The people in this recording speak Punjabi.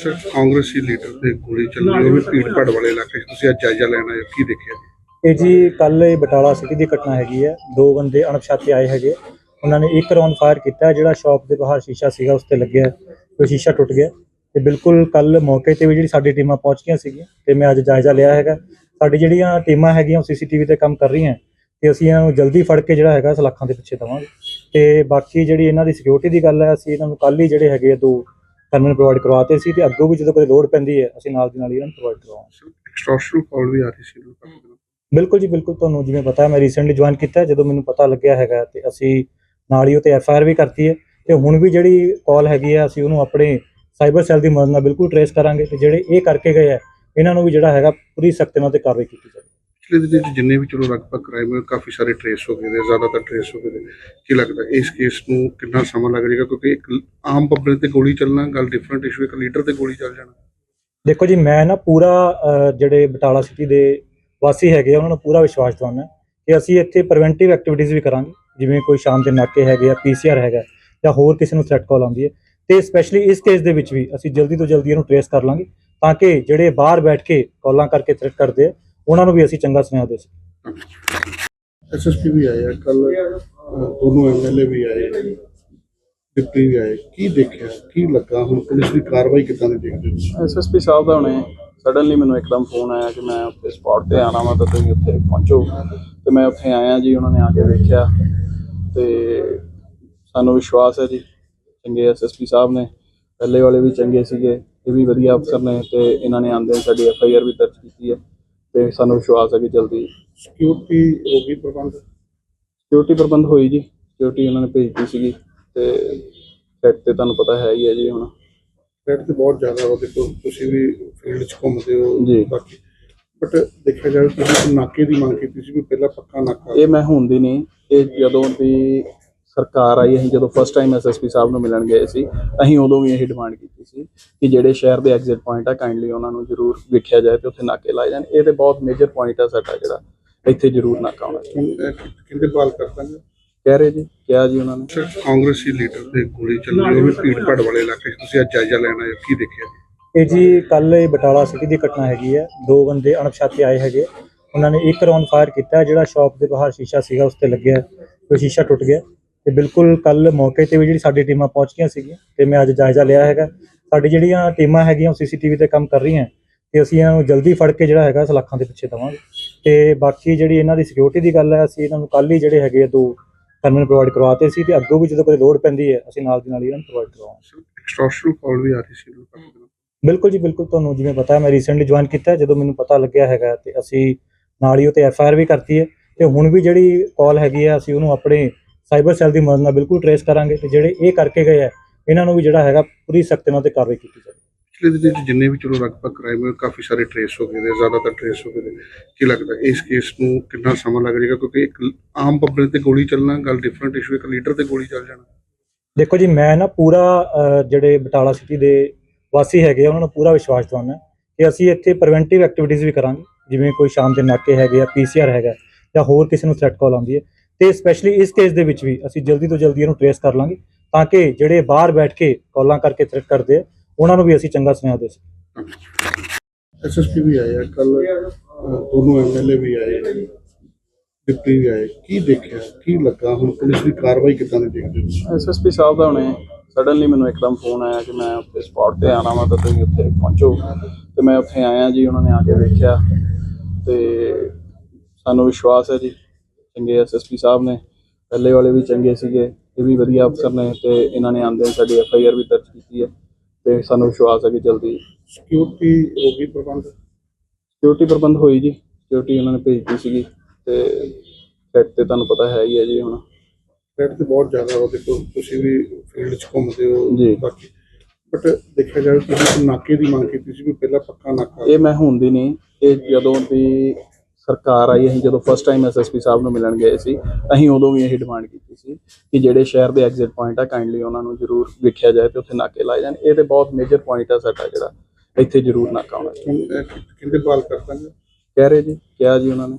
ਸਰ ਕਾਂਗਰਸੀ ਲੀਡਰ ਤੇ ਗੋਲੀ ਚੱਲੀ ਉਹ ਵੀ ਭੀੜ ਭਾੜ ਵਾਲੇ ਇਲਾਕੇ 'ਚ ਤੁਸੀਂ ਅੱਜ ਜਾਇਜ਼ਾ ਲੈਣ ਆਏ ਹੋ, ਕੀ ਦੇਖਿਆ ਜੀ? ਇਹ ਜੀ ਕੱਲ ਇਹ ਬਟਾਲਾ ਸਿਟੀ ਦੀ ਘਟਨਾ ਹੈਗੀ ਹੈ। ਦੋ ਬੰਦੇ ਅਣਪਛਾਤੇ ਆਏ ਹੈਗੇ, ਉਹਨਾਂ ਨੇ ਇੱਕ ਰਾਉਂਡ ਫਾਇਰ ਕੀਤਾ। ਜਿਹੜਾ ਸ਼ਾਪ ਦੇ ਬਾਹਰ ਸ਼ੀਸ਼ਾ ਸੀਗਾ ਉਸ ਤੇ ਲੱਗਿਆ, ਉਹ ਸ਼ੀਸ਼ਾ ਟੁੱਟ ਗਿਆ। ਤੇ ਬਿਲਕੁਲ ਕੱਲ ਮੌਕੇ ਤੇ ਵੀ ਜਿਹੜੀ ਸਾਡੀ ਟੀਮਾਂ ਪਹੁੰਚ ਗਈਆਂ ਸੀਗੀਆਂ ਤੇ ਮੈਂ ਅੱਜ ਜਾਇਜ਼ਾ ਲਿਆ ਹੈਗਾ। ਸਾਡੀ ਜਿਹੜੀਆਂ ਟੀਮਾਂ ਹੈਗੀਆਂ ਉਹ ਸੀਸੀਟੀਵੀ ਤੇ ਕੰਮ ਕਰ ਰਹੀਆਂ ਤੇ ਅਸੀਂ ਇਹਨਾਂ ਨੂੰ ਜਲਦੀ ਫੜ ਕੇ ਜਿਹੜਾ ਹੈਗਾ ਸਲਾਖਾਂ ਦੇ ਪਿੱਛੇ ਦੇਵਾਂਗੇ। ਤੇ ਬਾਕੀ ਜਿਹੜੀ ਇਹਨਾਂ ਦੀ ਸਿਕਿਉਰਿਟੀ ਦੀ ਗੱਲ ਹੈ, ਅਸੀਂ ਇਹਨਾਂ ਨੂੰ ਕੱਲ ਹੀ ਜਿਹੜੇ ਹੈਗੇ ਦੋ ਟਰਮੀਨਲ ਪ੍ਰੋਵਾਈਡ ਕਰਵਾਤੇ ਸੀ ਤੇ ਅੱਗੋਂ ਵੀ ਜਦੋਂ ਕੋਈ ਲੋੜ ਪੈਂਦੀ ਹੈ ਅਸੀਂ ਨਾਲ ਦੀ ਨਾਲ ਇਹਨਾਂ ਨੂੰ ਪ੍ਰੋਵਾਈਡ ਕਰਵਾਵਾਂਗੇ। ਐਕਸਟ੍ਰੈਕਸ਼ਨ ਕਾਲ ਵੀ ਆ ਰਹੀ ਸੀ ਲੋਕਾਂ ਨੂੰ। ਬਿਲਕੁਲ ਜੀ ਬਿਲਕੁਲ, ਤੁਹਾਨੂੰ ਜਿਵੇਂ ਪਤਾ ਹੈ ਮੈਂ ਰੀਸੈਂਟਲੀ ਜੁਆਇਨ ਕੀਤਾ। ਜਦੋਂ ਮੈਨੂੰ ਪਤਾ ਲੱਗਿਆ ਹੈਗਾ ਤੇ ਅਸੀਂ ਨਾਲ ਹੀ ਉਹ ਤੇ FIR ਵੀ ਕਰਤੀ ਹੈ ਤੇ ਹੁਣ ਵੀ ਜਿਹੜੀ ਕਾਲ ਹੈਗੀ ਆ ਅਸੀਂ ਉਹਨੂੰ ਆਪਣੇ ਸਾਈਬਰ ਸੈੱਲ ਦੀ ਮਦਦ ਨਾਲ ਬਿਲਕੁਲ ਟਰੇਸ ਕਰਾਂਗੇ ਤੇ ਜਿਹੜੇ ਇਹ ਕਰਕੇ ਗਏ ਆ ਇਹਨਾਂ ਨੂੰ ਵੀ ਜਿਹੜਾ ਹੈਗਾ ਪੂਰੀ ਸਖਤੀ ਨਾਲ ਤੇ ਕਾਰਵਾਈ ਕੀਤੀ ਜਾਵੇ। ਪਿਛਲੇ ਦਿਨ 'ਚ ਜਿੰਨੇ ਵੀ ਚਲੋ ਲਗਭਗ ਕ੍ਰਾਈਮ ਹੋਏ ਕਾਫੀ ਸਾਰੇ ਟਰੇਸ ਹੋ ਗਏ ਨੇ, ਜ਼ਿਆਦਾਤਰ ਟਰੇਸ ਹੋ ਗਏ ਨੇ। ਕੀ ਲੱਗਦਾ ਇਸ ਕੇਸ ਨੂੰ ਕਿੰਨਾ ਸਮਾਂ ਲੱਗ ਜਾਏਗਾ? ਕਿਉਂਕਿ ਇੱਕ ਆਮ ਪਬਲਿਕ ਤੇ ਗੋਲੀ ਚੱਲਣਾ ਗੱਲ ਡਿਫਰੈਂਟ ਇਸ਼ੂ, ਇੱਕ ਲੀਡਰ ਤੇ ਗੋਲੀ ਚੱਲ ਜਾਣਾ। ਦੇਖੋ ਜੀ, ਮੈਂ ਨਾ ਪੂਰਾ ਜਿਹੜੇ ਬਟਾਲਾ ਸਿਟੀ ਦੇ ਵਾਸੀ ਹੈਗੇ ਆ ਉਹਨਾਂ ਨੂੰ ਪੂਰਾ ਵਿਸ਼ਵਾਸ ਦਿਵਾਉਣਾ ਕਿ ਅਸੀਂ ਇੱਥੇ ਪ੍ਰੀਵੈਂਟਿਵ ਐਕਟੀਵਿਟੀਜ਼ ਵੀ ਕਰਾਂਗੇ। ਜਿਵੇਂ ਕੋਈ ਸ਼ਾਮ ਦੇ ਨਾਕੇ ਹੈਗੇ ਆ, PCR ਹੈਗਾ ਜਾਂ ਹੋਰ ਕਿਸੇ ਨੂੰ ਥ੍ਰੈਟ ਕਾਲ ਆਉਂਦੀ ਹੈ ਤੇ ਸਪੈਸ਼ਲੀ ਇਸ ਕੇਸ ਦੇ ਵਿੱਚ ਵੀ ਅਸੀਂ ਜਲਦੀ ਤੋਂ ਜਲਦੀ ਇਹਨੂੰ ਟਰੇਸ ਕਰ ਲਾਂਗੇ ਤਾਂ ਕਿ ਜਿਹੜੇ ਬਾਹਰ ਬੈਠ ਕੇ ਕਾਲਾਂ ਕਰਕੇ ਥ੍ਰੈਟ ਕਰਦੇ ਆ ਉਹਨਾਂ ਨੂੰ ਵੀ ਅਸੀਂ ਚੰਗਾ ਸੁਨੇਹਾ ਦੇ ਸਕੀਏ। SSP ਵੀ ਆਏ ਕੱਲ, ਦੋਨੋਂ MLA ਵੀ ਆਏ, ਡਿਪਟੀ ਵੀ ਆਏ। ਕੀ ਦੇਖਿਆ, ਕੀ ਲੱਗਾ? ਹੁਣ ਪੁਲਿਸ ਦੀ ਕਾਰਵਾਈ ਕਿੱਦਾਂ ਦੀ ਦੇਖਦੇ ਹੋ? SSP ਸਾਹਿਬ ਦਾ ਹੁਣੇ ਸਡਨਲੀ ਮੈਨੂੰ ਇੱਕਦਮ ਫੋਨ ਆਇਆ ਕਿ ਮੈਂ ਉੱਥੇ ਸਪੌਟ 'ਤੇ ਆਉਣਾ ਵਾ ਤਾਂ ਤੁਸੀਂ ਉੱਥੇ ਪਹੁੰਚੋ। ਤੇ ਮੈਂ ਉੱਥੇ ਆਇਆ ਜੀ, ਉਹਨਾਂ ਨੇ ਆ ਕੇ ਵੇਖਿਆ ਤੇ ਸਾਨੂੰ ਵਿਸ਼ਵਾਸ ਹੈ ਜੀ ਚੰਗੇ SSP ਸਾਹਿਬ ਨੇ, ਪਹਿਲੇ ਵਾਲੇ ਵੀ ਚੰਗੇ ਸੀਗੇ, ਇਹ ਵੀ ਵਧੀਆ ਅਫਸਰ ਨੇ ਤੇ ਇਹਨਾਂ ਨੇ ਆਉਂਦੇ ਸਾਡੀ FIR ਵੀ ਦਰਜ ਕੀਤੀ ਹੈ ਤੇ ਸਾਨੂੰ ਵਿਸ਼ਵਾਸ ਹੈ ਕਿ ਜਲਦੀ ਸਿਕਿਉਰਿਟੀ ਹੋ ਗਈ ਪ੍ਰਬੰਧ? ਸਿਕਿਉਰਿਟੀ ਪ੍ਰਬੰਧ ਹੋਈ ਜੀ, ਸਿਕਿਉਰਿਟੀ ਉਹਨਾਂ ਨੇ ਭੇਜੀ ਸੀਗੀ ਤੇ ਸੈਟ ਤੇ ਤੁਹਾਨੂੰ ਪਤਾ ਹੈ ਹੀ ਹੈ ਜੀ। ਹੁਣ ਰੇਟ ਤੇ ਬਹੁਤ ਜ਼ਿਆਦਾ ਵਾ, ਦੇਖੋ ਤੁਸੀਂ ਵੀ ਫੀਲਡ 'ਚ ਘੁੰਮਦੇ ਹੋ ਜੀ, ਬਾਕੀ ਬਟ ਦੇਖਿਆ ਜਾਵੇ ਤੁਸੀਂ ਨਾਕੇ ਦੀ ਮੰਗ ਕੀਤੀ ਸੀ ਵੀ ਪਹਿਲਾਂ ਪੱਕਾ ਨਾਕਾ। ਇਹ ਮੈਂ ਹੁਣ ਦੀ ਨਹੀਂ, ਇਹ ਜਦੋਂ ਦੀ ਸਰਕਾਰ ਆਈ, ਅਸੀਂ ਜਦੋਂ ਫਸਟ ਟਾਈਮ SSP ਸਾਹਿਬ ਨੂੰ ਮਿਲਣ ਗਏ ਸੀ ਅਸੀਂ ਉਦੋਂ ਵੀ ਇਹ ਡਿਮਾਂਡ ਕੀਤੀ ਸੀ ਕਿ ਜਿਹੜੇ ਸ਼ਹਿਰ ਦੇ ਐਗਜ਼ਿਟ ਪੁਆਇੰਟ ਆ ਕਾਈਂਡਲੀ ਉਹਨਾਂ ਨੂੰ ਜ਼ਰੂਰ ਵੇਖਿਆ ਜਾਏ ਤੇ ਉੱਥੇ ਨਾਕੇ ਲਾਏ ਜਾਣ। ਇਹ ਤੇ ਬਹੁਤ ਮੇਜਰ ਪੁਆਇੰਟ ਆ ਸਾਡਾ, ਜਿਹੜਾ ਇੱਥੇ ਜ਼ਰੂਰ ਨਾਕਾ ਹੋਣਾ ਚਾਹੀਦਾ। ਕਿੰਦੇ ਬਾਲ ਕਰਦਾ ਕਹਿ ਰਹੇ ਜੀ, ਕਿਹਾ ਜੀ ਉਹਨਾਂ ਨੇ। ਸਰ ਕਾਂਗਰਸੀ ਲੀਡਰ ਤੇ ਗੋਲੀ ਚੱਲੀ ਉਹ ਵੀ ਭੀੜ ਭਾੜ ਵਾਲੇ ਇਲਾਕੇ 'ਚ ਤੁਸੀਂ ਅੱਜ ਜਾਇਜ਼ਾ ਲੈਣ ਆਏ ਹੋ, ਕੀ ਦੇਖਿਆ ਜੀ? ਇਹ ਜੀ ਕੱਲ ਇਹ ਬਟਾਲਾ ਸਿਟੀ ਦੀ ਘਟਨਾ ਹੈਗੀ ਹੈ। ਦੋ ਬੰਦੇ ਅਣਪਛਾਤੇ ਆਏ ਹੈਗੇ, ਉਹਨਾਂ ਨੇ ਇੱਕ ਰਾਉਂਡ ਫਾਇਰ ਕੀਤਾ। ਜਿਹੜਾ ਸ਼ਾਪ ਦੇ ਬਾਹਰ ਸ਼ੀਸ਼ਾ ਸੀਗਾ ਉਸ ਤੇ ਲੱਗਿਆ, ਉਹ ਸ਼ੀਸ਼ਾ ਟੁੱਟ ਗਿਆ। ਤੇ ਬਿਲਕੁਲ ਕੱਲ ਮੌਕੇ ਤੇ ਵੀ ਜਿਹੜੀ ਸਾਡੀ ਟੀਮਾਂ ਪਹੁੰਚ ਗਈਆਂ ਸੀਗੀਆਂ ਤੇ ਮੈਂ ਅੱਜ ਜਾਇਜ਼ਾ ਲਿਆ ਹੈਗਾ। ਸਾਡੀ ਜਿਹੜੀਆਂ ਟੀਮਾਂ ਹੈਗੀਆਂ ਉਹ CCTV ਤੇ ਕੰਮ ਕਰ ਰਹੀਆਂ ਤੇ ਅਸੀਂ ਇਹਨਾਂ ਨੂੰ ਜਲਦੀ ਫੜ ਕੇ ਜਿਹੜਾ ਹੈਗਾ ਸਲਾਖਾਂ ਦੇ ਪਿੱਛੇ ਦੇਵਾਂਗੇ। ਤੇ ਬਾਕੀ ਜਿਹੜੀ ਇਹਨਾਂ ਦੀ ਸਿਕਿਉਰਿਟੀ ਦੀ ਗੱਲ ਹੈ, ਅਸੀਂ ਇਹਨਾਂ ਨੂੰ ਕੱਲ ਹੀ ਜਿਹੜੇ ਹੈਗੇ ਆ ਦੋ ਟਰਮੀਨਲ ਪ੍ਰੋਵਾਈਡ ਕਰਵਾਤੇ ਸੀ ਤੇ ਅੱਗੋਂ ਵੀ ਜਦੋਂ ਕੋਈ ਲੋੜ ਪੈਂਦੀ ਹੈ ਅਸੀਂ ਨਾਲ ਦੀ ਨਾਲ ਇਹਨਾਂ ਨੂੰ ਪ੍ਰੋਵਾਈਡ ਕਰਵਾਵਾਂਗੇ। ਐਕਸਟ੍ਰੈਕਸ਼ਨ ਕਾਲ ਵੀ ਆ ਰਹੀ ਸੀ ਲੋਕਾਂ ਨੂੰ। ਬਿਲਕੁਲ ਜੀ ਬਿਲਕੁਲ, ਤੁਹਾਨੂੰ ਜਿਵੇਂ ਪਤਾ ਹੈ ਮੈਂ ਰੀਸੈਂਟਲੀ ਜੁਆਇਨ ਕੀਤਾ। ਜਦੋਂ ਮੈਨੂੰ ਪਤਾ ਲੱਗਿਆ ਹੈਗਾ ਤੇ ਅਸੀਂ ਨਾਲ ਹੀ ਉਹ ਤੇ FIR ਵੀ ਕਰਤੀ ਹੈ ਤੇ ਹੁਣ ਵੀ ਜਿਹੜੀ ਕਾਲ ਹੈਗੀ ਆ ਅਸੀਂ ਉਹਨੂੰ ਆਪਣੇ ਸਾਈਬਰ ਸੈੱਲ ਦੀ ਮਦਦ ਨਾਲ ਬਿਲਕੁਲ ਟਰੇਸ ਕਰਾਂਗੇ ਤੇ ਜਿਹੜੇ ਇਹ ਕਰਕੇ ਗਏ ਆ ਇਹਨਾਂ ਨੂੰ ਵੀ ਜਿਹੜਾ ਹੈਗਾ ਪੂਰੀ ਸਖਤੀ ਨਾਲ ਤੇ ਕਾਰਵਾਈ ਕੀਤੀ ਜਾਵੇ। ਪਿਛਲੇ ਦਿਨ 'ਚ ਜਿੰਨੇ ਵੀ ਚਲੋ ਲਗਭਗ ਕ੍ਰਾਈਮ ਹੋਏ ਕਾਫੀ ਸਾਰੇ ਟਰੇਸ ਹੋ ਗਏ ਨੇ, ਜ਼ਿਆਦਾਤਰ ਟਰੇਸ ਹੋ ਗਏ ਨੇ। ਕੀ ਲੱਗਦਾ ਇਸ ਕੇਸ ਨੂੰ ਕਿੰਨਾ ਸਮਾਂ ਲੱਗ ਜਾਏਗਾ? ਕਿਉਂਕਿ ਇੱਕ ਆਮ ਪਬਲਿਕ ਤੇ ਗੋਲੀ ਚੱਲਣਾ ਗੱਲ ਡਿਫਰੈਂਟ ਇਸ਼ੂ, ਇੱਕ ਲੀਡਰ ਤੇ ਗੋਲੀ ਚੱਲ ਜਾਣਾ। ਦੇਖੋ ਜੀ, ਮੈਂ ਨਾ ਪੂਰਾ ਜਿਹੜੇ ਬਟਾਲਾ ਸਿਟੀ ਦੇ ਵਾਸੀ ਹੈਗੇ ਆ ਉਹਨਾਂ ਨੂੰ ਪੂਰਾ ਵਿਸ਼ਵਾਸ ਦਿਵਾਉਣਾ ਕਿ ਅਸੀਂ ਇੱਥੇ ਪ੍ਰੀਵੈਂਟਿਵ ਐਕਟੀਵਿਟੀਜ਼ ਵੀ ਕਰਾਂਗੇ। ਜਿਵੇਂ ਕੋਈ ਸ਼ਾਮ ਦੇ ਨਾਕੇ ਹੈਗੇ ਆ, PCR ਹੈਗਾ ਜਾਂ ਹੋਰ ਕਿਸੇ ਨੂੰ ਥ੍ਰੈਟ ਕਾਲ ਆਉਂਦੀ ਹੈ ਤੇ ਸਪੈਸ਼ਲੀ ਇਸ ਕੇਸ ਦੇ ਵਿੱਚ ਵੀ ਅਸੀਂ ਜਲਦੀ ਤੋਂ ਜਲਦੀ ਇਹਨੂੰ ਟਰੇਸ ਕਰ ਲਾਂਗੇ ਤਾਂ ਕਿ ਜਿਹੜੇ ਬਾਹਰ ਬੈਠ ਕੇ ਕਾਲਾਂ ਕਰਕੇ ਥ੍ਰੈਟ ਕਰਦੇ ਆ ਉਹਨਾਂ ਨੂੰ ਵੀ ਅਸੀਂ ਚੰਗਾ ਸੁਨੇਹਾ ਦੇ ਸਕੀਏ। SSP ਵੀ ਆਏ ਕੱਲ, ਦੋਨੋਂ MLA ਵੀ ਆਏ, ਡਿਪਟੀ ਵੀ ਆਏ। ਕੀ ਦੇਖਿਆ, ਕੀ ਲੱਗਾ? ਹੁਣ ਪੁਲਿਸ ਦੀ ਕਾਰਵਾਈ ਕਿੱਦਾਂ ਦੀ ਦੇਖਦੇ ਹੋ? SSP ਸਾਹਿਬ ਦਾ ਹੁਣੇ ਸਡਨਲੀ ਮੈਨੂੰ ਇੱਕਦਮ ਫੋਨ ਆਇਆ ਕਿ ਮੈਂ ਉੱਥੇ ਸਪੌਟ 'ਤੇ ਆਉਣਾ ਵਾ ਤਾਂ ਤੁਸੀਂ ਉੱਥੇ ਪਹੁੰਚੋ। ਤੇ ਮੈਂ ਉੱਥੇ ਆਇਆ ਜੀ, ਉਹਨਾਂ ਨੇ ਆ ਕੇ ਵੇਖਿਆ ਤੇ ਸਾਨੂੰ ਵਿਸ਼ਵਾਸ ਹੈ ਜੀ ਚੰਗੇ SSP ਸਾਹਿਬ ਨੇ, ਪਹਿਲੇ ਵਾਲੇ ਵੀ ਚੰਗੇ ਸੀਗੇ, ਇਹ ਵੀ ਵਧੀਆ ਅਫਸਰ ਨੇ ਤੇ ਇਹਨਾਂ ਨੇ ਆਉਂਦੇ ਸਾਡੀ FIR ਵੀ ਦਰਜ ਕੀਤੀ ਹੈ ਤੇ ਸਾਨੂੰ ਵਿਸ਼ਵਾਸ ਹੈ ਕਿ ਜਲਦੀ ਸਿਕਿਉਰਿਟੀ ਹੋ ਗਈ ਪ੍ਰਬੰਧ? ਸਿਕਿਉਰਿਟੀ ਪ੍ਰਬੰਧ ਹੋਈ ਜੀ, ਸਿਕਿਉਰਿਟੀ ਉਹਨਾਂ ਨੇ ਭੇਜੀ ਸੀਗੀ ਤੇ ਸੈਟ ਤੇ ਤੁਹਾਨੂੰ ਪਤਾ ਹੈ ਹੀ ਹੈ ਜੀ। ਹੁਣ ਰੇਟ ਤੇ ਬਹੁਤ ਜ਼ਿਆਦਾ ਵਾ, ਦੇਖੋ ਤੁਸੀਂ ਵੀ ਫੀਲਡ 'ਚ ਘੁੰਮਦੇ ਹੋ ਜੀ ਬਾਕੀ ਬਟ ਦੇਖਿਆ ਜਾਵੇ ਤੁਸੀਂ ਨਾਕੇ ਦੀ ਮੰਗ ਕੀਤੀ ਸੀ ਵੀ ਪਹਿਲਾਂ ਪੱਕਾ ਨਾਕਾ। ਇਹ ਮੈਂ ਹੁਣ ਦੀ ਨਹੀਂ, ਇਹ ਜਦੋਂ ਦੀ ਸਰਕਾਰ ਆਈ, ਅਸੀਂ ਜਦੋਂ ਫਸਟ ਟਾਈਮ SSP ਸਾਹਿਬ ਨੂੰ ਮਿਲਣ ਗਏ ਸੀ ਅਸੀਂ ਉਦੋਂ ਵੀ ਇਹ ਡਿਮਾਂਡ ਕੀਤੀ ਸੀ ਕਿ ਜਿਹੜੇ ਸ਼ਹਿਰ ਦੇ ਐਗਜ਼ਿਟ ਪੁਆਇੰਟ ਆ ਕਾਈਂਡਲੀ ਉਹਨਾਂ ਨੂੰ ਜ਼ਰੂਰ ਵੇਖਿਆ ਜਾਏ ਤੇ ਉੱਥੇ ਨਾਕੇ ਲਾਏ ਜਾਣ। ਇਹ ਤੇ ਬਹੁਤ ਮੇਜਰ ਪੁਆਇੰਟ ਆ ਸਾਡਾ, ਜਿਹੜਾ ਇੱਥੇ ਜ਼ਰੂਰ ਨਾਕਾ ਹੋਣਾ ਚਾਹੀਦਾ। ਕਿੰਦੇ ਬਾਲ ਕਰਦਾ ਕਹਿ ਰਹੇ ਜੀ, ਕਿਹਾ ਜੀ ਉਹਨਾਂ ਨੇ।